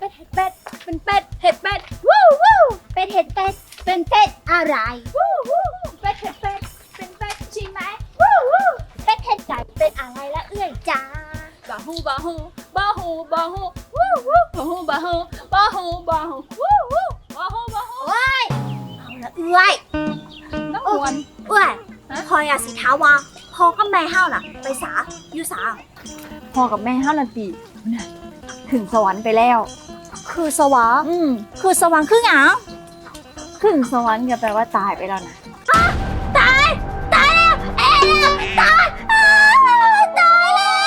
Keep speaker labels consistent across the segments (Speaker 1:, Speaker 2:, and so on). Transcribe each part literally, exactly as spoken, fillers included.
Speaker 1: ดเห็ดเป็ดเป็นเป็ดเห็ดเป็ดวู้วู้เป็ดเห็ดเป็ดเป็นเป็ดอะไรวู้วู้เป็ดเห็ดเป็ดเป็นเป็ดใช่ไหมวู้วู้เป็ดเห็ดไก่เป็นอะไรละเอื้อยจ้าบาฮูบาฮูบาฮูบาฮูวู้วู้บาฮูบาฮูบาฮูบาฮูวู้วู้บาฮูบาฮูโอ้ยเอาละเอื้อยน้ำหวนเอื้อยพออยากสิท้าว่าพ่อก็แม่ห้าวน่ะไปสาอยู่สาพ่อกับแม่ห้าวนาทีถึงสวรรค์ไปแล้วคือสวรรค์อืมคือสวรรค์คือหยังถึงสวรรค์ก็แปลว่าตายไปแล้วนะตายตายแล้วเอ๊ะตายตาย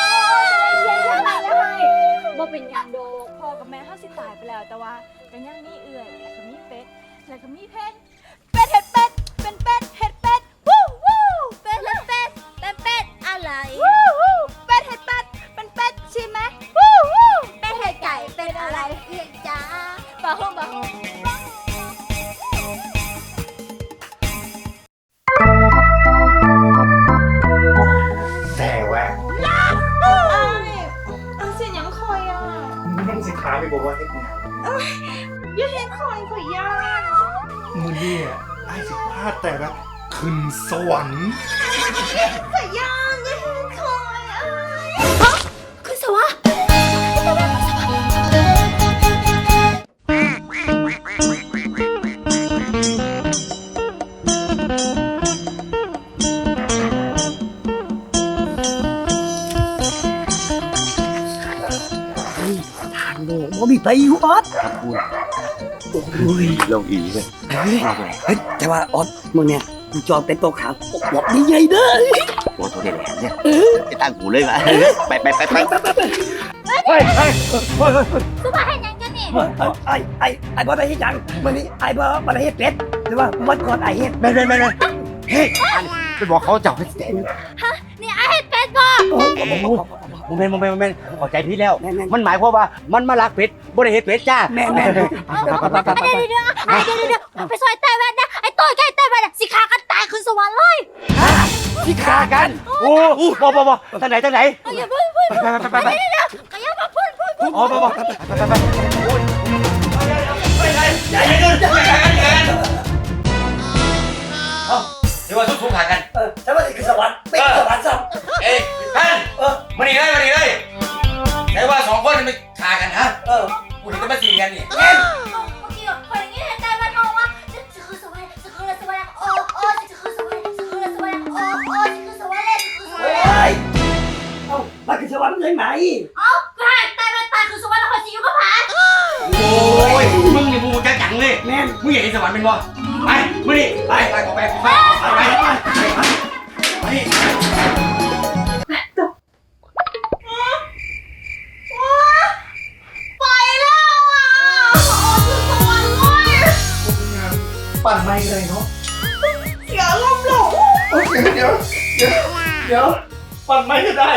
Speaker 1: แล้วบ่เป็นหยังโดพ่อกับแม่ห้าวสิตายไปแล้วแต่ว่าก็ยังมีเอื่อยแล้วก็มีเป็ดแล้วก็มีเพชรเป็ดเห็ดเป็ดเป็นเป็ดเห็ดเป็ดวู้วู้เป็ดเห็ดเป็ดเป็นเป็ดอะไรวู้วู้เป็ดเห็ดเป็ดเป็นเป็ดใช่ไหมวู้วู้เป็ดเห็ดไก่เป็นอะไรเอียงจ้าบาฮูบาฮู
Speaker 2: แต่แวะ
Speaker 3: เอาเสียงยังคอยอ่ะ
Speaker 2: มึงสิค้าไปบอกว่าเฮ็ดงาน
Speaker 3: อย่าเห็นคอยข่อยย่า
Speaker 2: มือเนี่ยไอ้สิพลาดแต่ละขึ้นสวรรค์
Speaker 3: ข่อยย่าอย่าเห็นคอยอ่ะ
Speaker 1: คือสวะ
Speaker 4: ทางโลกบ่มีไปอยู่ออส
Speaker 5: โอ้ยลงอีเลย
Speaker 4: เฮ้ยเฮ้ยแต่ว่าออสมึงเนี่ยกูจองเป็นโต๊ะขาวบอกนี่ใหญ่เด้อ
Speaker 5: โอ้ตัวเด็ดแหลมเนี่ยไปตั้งหูเลยว่ะไปไปไปไป
Speaker 2: เฮ้ยเฮ้ยเฮ้ย
Speaker 1: สุภาให้ยังกันนี่
Speaker 4: ไอ้ไอ้ไอ้บ่ได้เฮ็ดหยังมื้อนี้ไอ้บ่บ่ได้เฮ็ดเป็ดแต่ว่าวันก่อนไอ้เฮ็ด
Speaker 5: ไม่ไม่ไม่ไม่เฮ้ยไปบอกเขาจับให้เต็ม
Speaker 1: นี่ไอ้เห็ดเป็ดบ่
Speaker 4: โอ้โห
Speaker 5: โมเมนต์โมเมนต์โมเมนต์ขอใจพี่แล้ว
Speaker 4: แม่น
Speaker 5: มันหมายความว่ามันมาลักเป็ดบ่ได้เฮ็ดเป็ดจ้า
Speaker 4: แม่แม่
Speaker 1: เดี๋ยวเดี๋ยวไอ้เดี๋ยวเดี๋ยวไปซอยใต้แว่นนะไอ้ต้อยใกล้ใต้แว่นสิขากันตายขึ้นสวรรค์เลย
Speaker 5: ที่ฆ่ากันโอ้บ่บ่บ่ทางไหนทางไหน
Speaker 1: อย่าพูดพูด
Speaker 5: ไปไปไปไป
Speaker 1: เดี๋ยวก็อย่ามาพูดพูดพูด
Speaker 5: อ๋อบ่บ่ไปไปไปโอ้ยไปไหนอย่าอย่าเดินอย่ากันอย่ากันเอ้าเดี๋ยวว่าทุกๆหากัน
Speaker 4: เออแต่ว่านี่คือสวรรค์เป็นสวรรค์ซ้
Speaker 5: เอ้ยท่าน
Speaker 4: ำเออ
Speaker 5: มาดีเลยมาดีเลยไหนว่าสองคนไม่ฆ่ากันฮะ
Speaker 4: เออ
Speaker 5: กูเห็นจะมาสีกันนี่
Speaker 1: เมื่อกี้คนอย่างนี้เห็นใต้แว่นมองว่าจะคือสวรรค์จะคือสวรรค์โอ้โอ้จะคือสวรรค์จะคือสวรรค์โอ้โอ้จะคือสวรรค์จะคือสวรรค์
Speaker 4: โอ้ยเอ้ามันคือสวรรค์เลยไหม
Speaker 1: เอ้าก็ให้ใต้แว่นตายคือสวรรค์แล้วคนจะอยู่กับผา
Speaker 5: โอ้ยมึงนี่มึงจะจังเลย
Speaker 4: แม่น
Speaker 5: มึงอยากเห็นสวรรค์เป็นบ่ไปมึงนี่ไปไปขอไปไปไปไปไปไปนี่
Speaker 1: ไปแล้วอ่ะโอ้คือสวรรค์เลย
Speaker 2: ปั่นไม่เลยเนาะ
Speaker 3: เสียลมณ์หลง
Speaker 2: โอเคเดี๋ยวเดี๋ยวเดี๋ยวปั่นไม่ก็ได้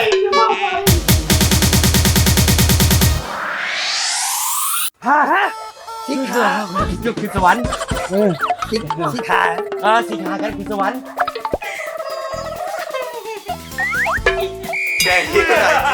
Speaker 4: ฮะฮะสิขา
Speaker 5: ยุคคือสวรรค์
Speaker 4: สิสิขา
Speaker 5: อ่าสีขากันคือสวรรค์
Speaker 2: แกคิดอะไร